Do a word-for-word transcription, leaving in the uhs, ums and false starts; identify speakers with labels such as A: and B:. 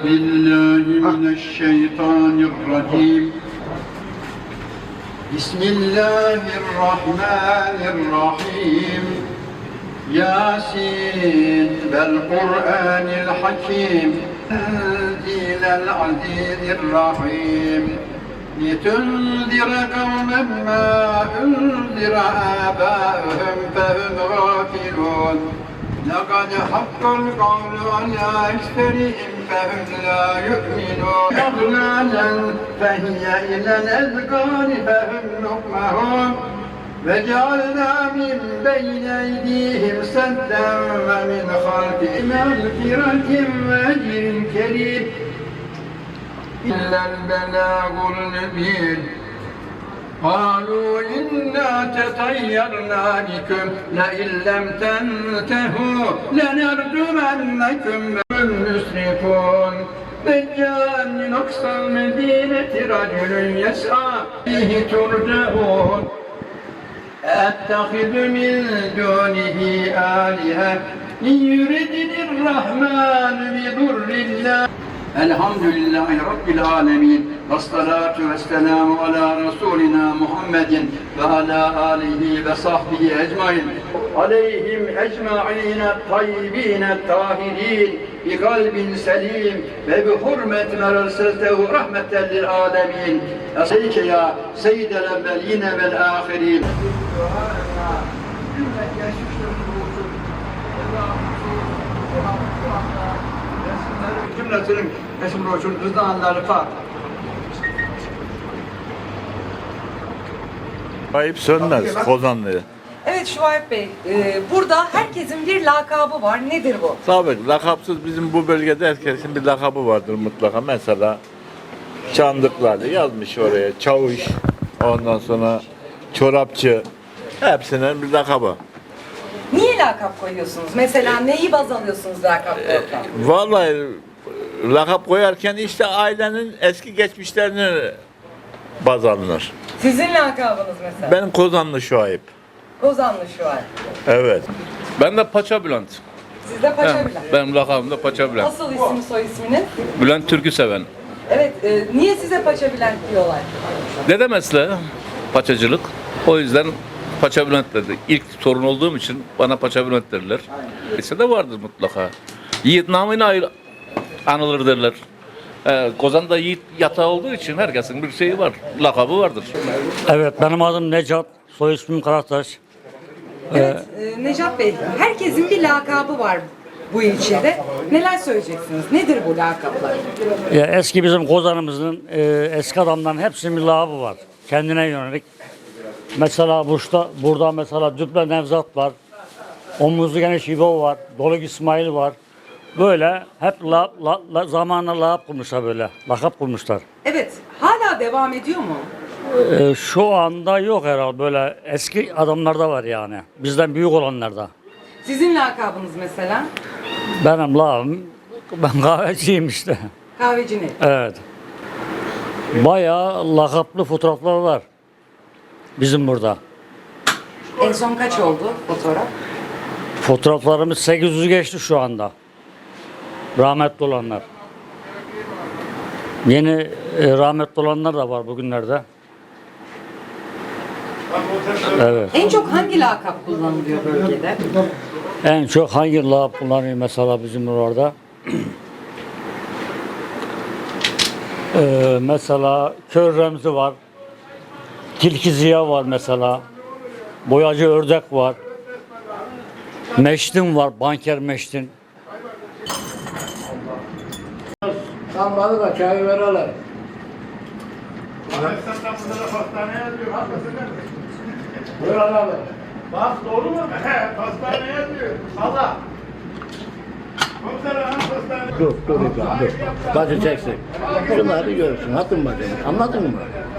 A: بالله من الشيطان الرجيم بسم الله الرحمن الرحيم ياسين والقرآن الحكيم تنزيل العزيز الرحيم لتنذر قوما ما أنذر آباؤهم فهم غافلون لقد حق القول على أكثرهم فهم لا يؤمنون أغلالا فهي إلى الأذقان فهم مقمحون وجعلنا من بين أيديهم سدا ومن خلفهم مغفرة وأجر كريم إلا البلاغ المبين قالوا إنا تطيرنا بكم لئن لم تنتهوا لنرجمنكم المسرفون إذ جاء من أقصى المدينة رجل يسعى فيه ترجعون أتخذ من دونه آلهة إن يردني الرحمن بضر الله الحمد لله رب العالمين والصلاة والسلام على رسولنا محمد وعلى آله وصحبه أجمعين عليهم أجمعين الطيبين الطاهرين بقلب سليم وبحرمة ما أرسلته رحمة للعالمين أصليك يا سيد الأولين والآخرين cümlesinin peşin roşun rızanları fat.
B: Ayıp sönmez Kozanlı'ya.
C: Evet Şuayb Bey, e, burada herkesin bir lakabı var. Nedir bu?
B: Tabii lakapsız bizim bu bölgede herkesin bir lakabı vardır mutlaka. Mesela Çandıklar'da yazmış oraya çavuş, ondan sonra çorapçı, hepsinin bir lakabı.
C: Niye lakap koyuyorsunuz? Mesela neyi baz alıyorsunuz lakap koyarken?
B: Vallahi lakap koyarken işte ailenin eski geçmişlerini baz alınır.
C: Sizin lakabınız mesela?
B: Benim Kozanlı Şuayb.
C: Kozanlı Şuayb.
B: Evet.
D: Ben de Paça Bülent.
C: Siz de Paşa
D: Ben,
C: Bülent.
D: benim lakabım da Paça Bülent.
C: Nasıl isim soy isminiz?
D: Bülent Türk'ü seven.
C: Evet, e, niye size Paşa Bülent diyorlar?
D: Dede mesleği paçacılık. O yüzden Paça Bülent dedi. İlk torun olduğum için bana Paça Bülent derler. Lise de vardır mutlaka. Yiğit namıyla ayrı- anılır derler. Ee, Kozan'da Yiğit yatağı olduğu için herkesin bir şeyi var. Lakabı vardır.
E: Evet, benim adım Necat, soy ismim Karataş.
C: Evet, e, Necat Bey, herkesin bir lakabı var bu ilçede. Neler söyleyeceksiniz? Nedir bu lakaplar?
E: Ya eski bizim Kozan'ımızın, e, eski adamların hepsinin bir lakabı var. Kendine yönelik. Mesela burada, burada mesela Düble Nevzat var. Omuzlu Geniş İbo var. Doluk İsmail var. Böyle hep la, la, la, zamanla lakap kurmuşlar böyle. Lakap kurmuşlar.
C: Evet, hala devam ediyor mu?
E: E, şu anda yok herhalde böyle eski adamlarda var yani. Bizden büyük olanlarda.
C: Sizin lakabınız mesela?
E: Benim lakabım, ben kahveciyim işte.
C: Kahveci ne?
E: Evet. Bayağı lakaplı fotoğraflar var bizim burada.
C: En son kaç oldu fotoğraf?
E: Fotoğraflarımız sekiz yüzü geçti şu anda. Rahmetli olanlar. Yeni e, rahmetli olanlar da var bugünlerde. Evet.
C: En çok hangi lakap kullanılıyor bölgede?
E: En çok hangi lakap kullanıyor mesela bizim orada? Ee, mesela Kör Remzi var. Tilki Ziya var mesela. Boyacı Ördek var. Meştin var, banker Meştin.
F: Tam bana da çay verelim. Buyur abi. Bak doğru mu? He, pastane yazıyor. Allah. Dur, dur, dur, dur. Bacı çeksin. Şunları görürsün, hatun bacım. Anladın mı?